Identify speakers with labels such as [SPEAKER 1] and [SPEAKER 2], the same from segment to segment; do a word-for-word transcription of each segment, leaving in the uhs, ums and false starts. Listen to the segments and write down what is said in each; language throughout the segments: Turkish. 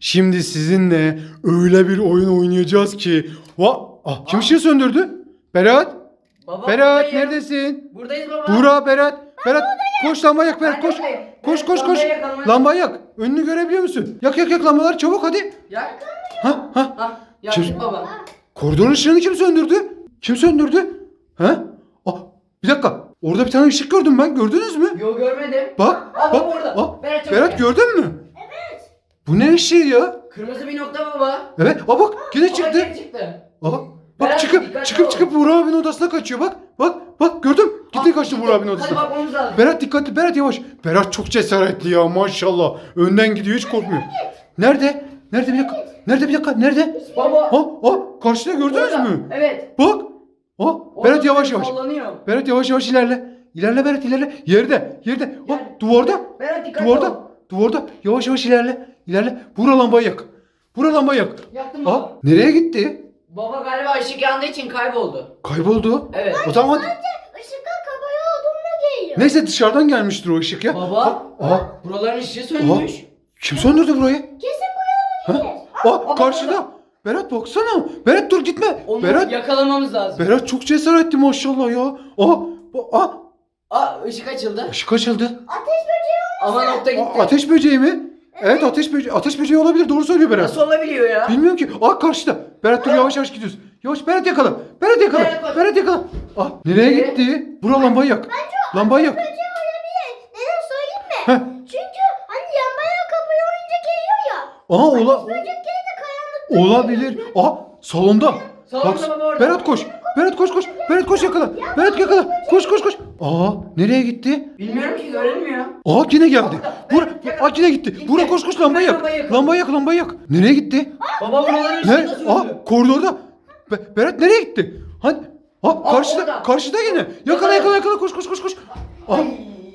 [SPEAKER 1] Şimdi sizinle öyle bir oyun oynayacağız ki. Va ah, kim ışığı söndürdü? Berat.
[SPEAKER 2] Baba,
[SPEAKER 1] Berat
[SPEAKER 2] buradayım.
[SPEAKER 1] neredesin?
[SPEAKER 2] Buradayız baba.
[SPEAKER 1] Buğra, Berat. Berat koş lambayı yak Berat
[SPEAKER 2] Ben
[SPEAKER 1] koş.
[SPEAKER 2] buradayım.
[SPEAKER 1] Koş
[SPEAKER 2] Ben
[SPEAKER 1] koş koş.
[SPEAKER 2] lambayı yak, lambayı yak.
[SPEAKER 1] Lambayı yak. Önünü görebiliyor musun? Yak yak yak lambaları çabuk hadi.
[SPEAKER 2] Yak.
[SPEAKER 1] Ha ha.
[SPEAKER 2] Hah yaktık
[SPEAKER 1] Kim-
[SPEAKER 2] baba.
[SPEAKER 1] Koridorun ışığını kim söndürdü? Kim söndürdü? Ha? Ah, bir dakika. Orada bir tane ışık gördüm ben. Gördünüz mü?
[SPEAKER 2] Yo görmedim.
[SPEAKER 1] Bak.
[SPEAKER 2] Aa,
[SPEAKER 1] bak.
[SPEAKER 2] baba orada.
[SPEAKER 1] Ah,
[SPEAKER 2] Berat, çabuk
[SPEAKER 1] Berat
[SPEAKER 2] gel.
[SPEAKER 1] gördün mü? Evet. Bu ne ışığı ya?
[SPEAKER 2] Kırmızı bir nokta baba.
[SPEAKER 1] Evet. Aa bak yine
[SPEAKER 2] Baba
[SPEAKER 1] çıktı.
[SPEAKER 2] geri çıktı.
[SPEAKER 1] Aa, bak
[SPEAKER 2] Berat,
[SPEAKER 1] çıkıp
[SPEAKER 2] dikkatli
[SPEAKER 1] çıkıp
[SPEAKER 2] ol.
[SPEAKER 1] çıkıp Buğra abinin odasına kaçıyor. Bak. Bak. Bak gördüm. Gitti
[SPEAKER 2] Ah,
[SPEAKER 1] kaçtı
[SPEAKER 2] gitti.
[SPEAKER 1] Buğra abinin
[SPEAKER 2] Hadi
[SPEAKER 1] odasına.
[SPEAKER 2] bakmamız lazım.
[SPEAKER 1] Berat dikkatli. Berat yavaş. Berat çok cesaretli ya maşallah. Önden gidiyor hiç korkmuyor. Nerede? Nerede bir dakika? Nerede bir dakika? Nerede?
[SPEAKER 2] Baba.
[SPEAKER 1] Ha, ha, karşıda gördünüz
[SPEAKER 2] Orada.
[SPEAKER 1] mü?
[SPEAKER 2] Evet.
[SPEAKER 1] Bak. Ha,
[SPEAKER 2] Orada
[SPEAKER 1] Berat yavaş
[SPEAKER 2] böyle
[SPEAKER 1] yavaş.
[SPEAKER 2] sallanıyor.
[SPEAKER 1] Berat yavaş yavaş ilerle. İlerle Berat ilerle. Yerde. Yerde. Ha,
[SPEAKER 2] Gel.
[SPEAKER 1] duvarda.
[SPEAKER 2] Berat dikkatli
[SPEAKER 1] Duvarda.
[SPEAKER 2] ol.
[SPEAKER 1] Duvarda. Yavaş yavaş ilerle. İlerle. Bura lambayı yak. Bura lambayı yak.
[SPEAKER 2] Yaktım
[SPEAKER 1] Ha,
[SPEAKER 2] baba.
[SPEAKER 1] nereye gitti?
[SPEAKER 2] Baba galiba ışık yandığı için kayboldu.
[SPEAKER 1] Kayboldu.
[SPEAKER 2] Evet.
[SPEAKER 1] O zaman
[SPEAKER 3] Işıklar kabaya olduğunda geliyor.
[SPEAKER 1] neyse dışarıdan gelmiştir o ışık ya.
[SPEAKER 2] Baba.
[SPEAKER 1] Ha, aha.
[SPEAKER 2] Buraların ışığı sönmüş.
[SPEAKER 1] Kim söndürdü burayı?
[SPEAKER 3] Kesin bu yolda
[SPEAKER 1] Ha?
[SPEAKER 3] gelir.
[SPEAKER 1] Aa,
[SPEAKER 2] baba,
[SPEAKER 1] karşıda. Berat baksana. Berat dur gitme.
[SPEAKER 2] Onu
[SPEAKER 1] Berat.
[SPEAKER 2] yakalamamız lazım.
[SPEAKER 1] Berat çok cesaretli maşallah ya. Aa, bu- aa,
[SPEAKER 2] Aa ışık açıldı.
[SPEAKER 1] ışık açıldı.
[SPEAKER 3] Ateş böceği
[SPEAKER 2] Ama nokta gitti.
[SPEAKER 1] Aa, ateş böceği mi? Evet ateş böceği. Ateş böceği olabilir. Doğru söylüyor Berat.
[SPEAKER 2] Nasıl olabiliyor ya?
[SPEAKER 1] Bilmiyorum ki. Aa karşıda. Berat dur yavaş yavaş gidiyoruz. Yavaş Berat yakala. Berat yakala.
[SPEAKER 2] Berat koş.
[SPEAKER 1] Berat yakala. Aa nereye
[SPEAKER 2] Nereye?
[SPEAKER 1] gitti? Bura lambayı yak. Lambayı yak.
[SPEAKER 3] böceği olabilir. Neden söyleyeyim mi?
[SPEAKER 1] Heh.
[SPEAKER 3] Çünkü hani yanmaya kapıyı oyunca geliyor ya.
[SPEAKER 1] Aa ola
[SPEAKER 3] Böcekleri de karanlıkta
[SPEAKER 1] olabilir. Aa salonda.
[SPEAKER 2] Salonda baba orada.
[SPEAKER 1] Berat koş. Berat koş koş. Berat koş yakala. Berat yakala. Koş koş koş. Aa nereye gitti?
[SPEAKER 2] Bilmiyorum ki görünmüyor.
[SPEAKER 1] Aa yine geldi. Bura,
[SPEAKER 2] yakala.
[SPEAKER 1] aa yine gitti.
[SPEAKER 2] Gitti.
[SPEAKER 1] Bura koş koş lambayı yak.
[SPEAKER 2] Lambayı yak.
[SPEAKER 1] Lambayı yak lambayı yak. Nereye gitti?
[SPEAKER 2] Baba buraların ışığı
[SPEAKER 1] Ne?
[SPEAKER 2] nasıl
[SPEAKER 1] Aa
[SPEAKER 2] söndü?
[SPEAKER 1] koridorda. Be- Berat nereye gitti? Hani? Ha karşıda
[SPEAKER 2] orada.
[SPEAKER 1] karşıda yine. Yakala
[SPEAKER 2] Yakala.
[SPEAKER 1] yakala yakala koş koş koş koş. Aa,
[SPEAKER 2] Ay.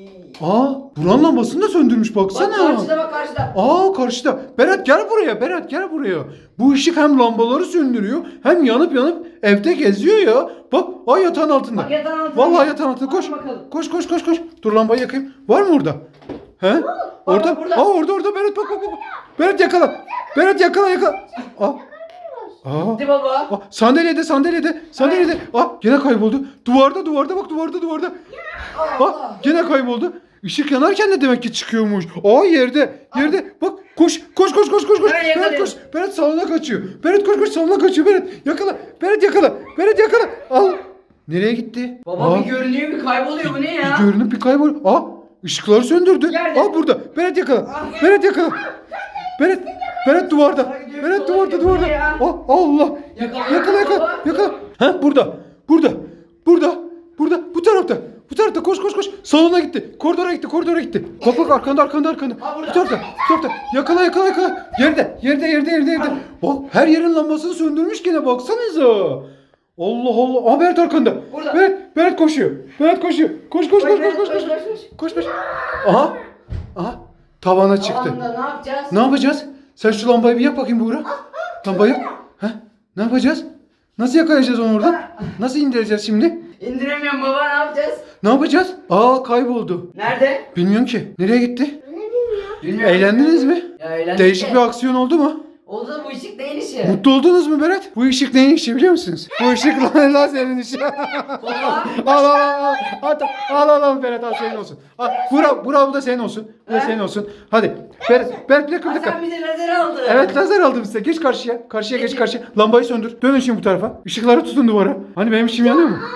[SPEAKER 1] aa buranın lambasını da söndürmüş
[SPEAKER 2] Bak
[SPEAKER 1] baksana.
[SPEAKER 2] karşıda bak karşıda.
[SPEAKER 1] Aa karşıda. Berat gel buraya. Berat gel buraya. Bu ışık hem lambaları söndürüyor hem yanıp yanıp evde geziyor ya. Bak ay yatağın altında.
[SPEAKER 2] Bak yatağın altında.
[SPEAKER 1] Vallahi yatağın altında. Koş.
[SPEAKER 2] Hadi bakalım.
[SPEAKER 1] Koş koş koş koş. Dur lambayı yakayım. Var mı orada? He? Orada.
[SPEAKER 2] burada.
[SPEAKER 1] Aa orada orada Berat bak bak bak. Berat yakala. Berat yakala yakala. Aa. Aa.
[SPEAKER 2] Gitti baba.
[SPEAKER 1] Aa, sandalyede sandalyede sandalyede. Aa gene kayboldu. Duvarda duvarda bak duvarda duvarda. Aa gene kayboldu. Işık yanarken de demek ki çıkıyormuş. Aa yerde yerde bak koş koş koş koş koş koş.
[SPEAKER 2] Hemen
[SPEAKER 1] Berat
[SPEAKER 2] yakalayalım.
[SPEAKER 1] koş. Berat salona kaçıyor. Berat koş koş salona kaçıyor. Berat yakala. Berat yakala. Berat yakala. Al. Nereye gitti?
[SPEAKER 2] Baba
[SPEAKER 1] Aa,
[SPEAKER 2] bir görünüyor bir kayboluyor bu ne ya?
[SPEAKER 1] bir görünüp bir kaybol. Aa ışıkları söndürdü.
[SPEAKER 2] Yerde.
[SPEAKER 1] Aa burada. Berat yakala.
[SPEAKER 2] Ah.
[SPEAKER 1] Berat yakala. Berat Berat duvarda.
[SPEAKER 2] Sola gidiyor,
[SPEAKER 1] Berat
[SPEAKER 2] sola
[SPEAKER 1] duvarda
[SPEAKER 2] gidiyor.
[SPEAKER 1] duvarda.
[SPEAKER 2] Bu ne ya?
[SPEAKER 1] Aa Allah.
[SPEAKER 2] Yakala,
[SPEAKER 1] Yakala yakala.
[SPEAKER 2] baba.
[SPEAKER 1] Yakala. Ha burada. Burada. Burada. Burada. Bu tarafta. Bu tarafta koş koş koş. Salona gitti. Koridora gitti. Koridora gitti. Bak bak arkanda arkanda arkanda.
[SPEAKER 2] Ha, burada.
[SPEAKER 1] Bu tarafta. Bu tarafta. Yakala yakala yakala. Yerde. Yerde yerde yerde yerde. Bak her yerin lambasını söndürmüş gene baksanıza. Allah Allah. Aa Berat arkanda.
[SPEAKER 2] Burada.
[SPEAKER 1] Berat, Berat koşuyor. Berat koşuyor. Koş koş koş koş koş koş.
[SPEAKER 2] koş, koş.
[SPEAKER 1] Koş koş. Aha. Aha. Tavana çıktı.
[SPEAKER 2] Tavanda ne yapacağız?
[SPEAKER 1] Ne yapacağız? Sen şu lambayı bir yak bakayım Buğra. Lambayı yak. Heh. Ne yapacağız? Nasıl yakalayacağız onu oradan? Nasıl indireceğiz şimdi?
[SPEAKER 2] İndiremiyorum baba ne yapacağız?
[SPEAKER 1] Ne yapacağız? Aa kayboldu.
[SPEAKER 2] Nerede?
[SPEAKER 1] Bilmiyorum ki. Nereye gitti?
[SPEAKER 3] Ne bilmiyorum.
[SPEAKER 2] Bilmiyorum.
[SPEAKER 1] Eğlendiniz mi?
[SPEAKER 2] Ya eğlendik
[SPEAKER 1] Değişik
[SPEAKER 2] de.
[SPEAKER 1] bir aksiyon oldu mu?
[SPEAKER 2] Oldu da bu ışık neyin işi?
[SPEAKER 1] Mutlu oldunuz mu Berat? Bu ışık neyin işi biliyor musunuz? Bu ışık lan lazerin işi.
[SPEAKER 2] Baba.
[SPEAKER 1] Al al al. Al al al al Berat al senin olsun. Al, Buğra, Buğra bu da senin olsun. Bu da
[SPEAKER 2] He?
[SPEAKER 1] senin olsun. Hadi. Berat, Berat bir dakika bir
[SPEAKER 2] Aa,
[SPEAKER 1] dakika.
[SPEAKER 2] sen bize lazer aldın.
[SPEAKER 1] Evet lazer aldım size. Geç karşıya. Karşıya geç karşıya. Lambayı söndür. Dönün şimdi bu tarafa. Işıkları tutun duvara. Hani benim işim yanıyor mu?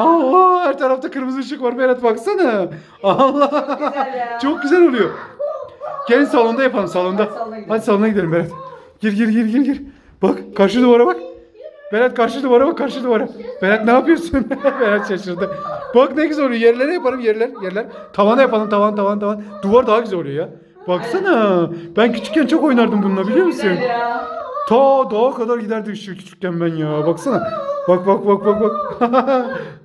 [SPEAKER 1] Aa, her tarafta kırmızı ışık var Berat baksana. Allah.
[SPEAKER 2] Güzel ya.
[SPEAKER 1] Çok güzel oluyor. Gelin salonda yapalım salonda.
[SPEAKER 2] Hadi salona gidelim.
[SPEAKER 1] Hadi salona gidelim Berat. Gir gir gir gir gir. Bak karşı duvara bak. Berat karşı duvara bak karşı duvara. Berat ne yapıyorsun? Berat şaşırdı. Bak ne güzel oluyor. Yerlere yaparım yerler yerler. Tavana yapalım tavan tavan tavan. Duvar daha güzel oluyor ya. Baksana. Ben küçükken çok oynardım bununla biliyor musun?
[SPEAKER 2] Güzel ya.
[SPEAKER 1] Ta dağa kadar giderdi ışığı küçükken ben ya. Baksana. Bak bak bak bak bak.